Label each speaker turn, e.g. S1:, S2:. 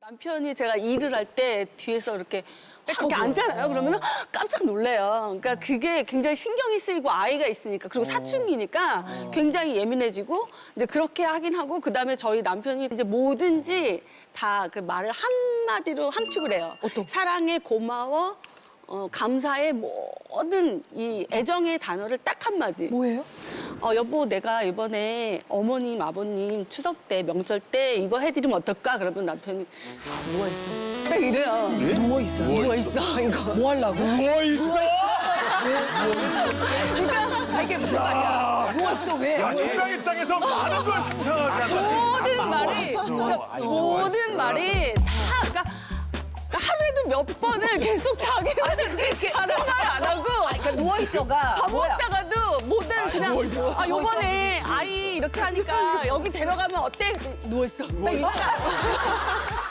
S1: 남편이 제가 일을 할 때 뒤에서 이렇게 앉잖아요. 그러면 깜짝 놀래요. 그러니까 그게 굉장히 신경이 쓰이고 아이가 있으니까 그리고 사춘기니까 굉장히 예민해지고 이제 그렇게 하긴 하고 그다음에 저희 남편이 이제 뭐든지 다 그 말을 한마디로 함축을 해요. 사랑해, 고마워, 감사해 모든 이 애정의 단어를 딱 한마디.
S2: 뭐예요?
S1: 여보, 내가 이번에 어머님, 아버님 추석 때, 명절 때 이거 해드리면 어떨까? 그러면 남편이 누워있어. 딱 이래요.
S2: 누워있어.
S1: 누워있어, 이거.
S2: 뭐 하려고?
S3: 누워있어?
S2: 그러니까 이게 무슨 말이야? 누워있어, 왜?
S3: 야, 첫상 입장에서 많은 걸 상상하게 한다.
S1: 모든 말이 다, 그러니까 하루에도 몇 번을 계속 자기는 다른 말 안 하고
S2: 그러니까 누워있어가
S1: 밥
S2: 뭐야?
S1: 먹다가도 뭐든 그냥 요번에 아이 이렇게 하니까 여기 데려가면 어때? 누워있어. 딱 이거.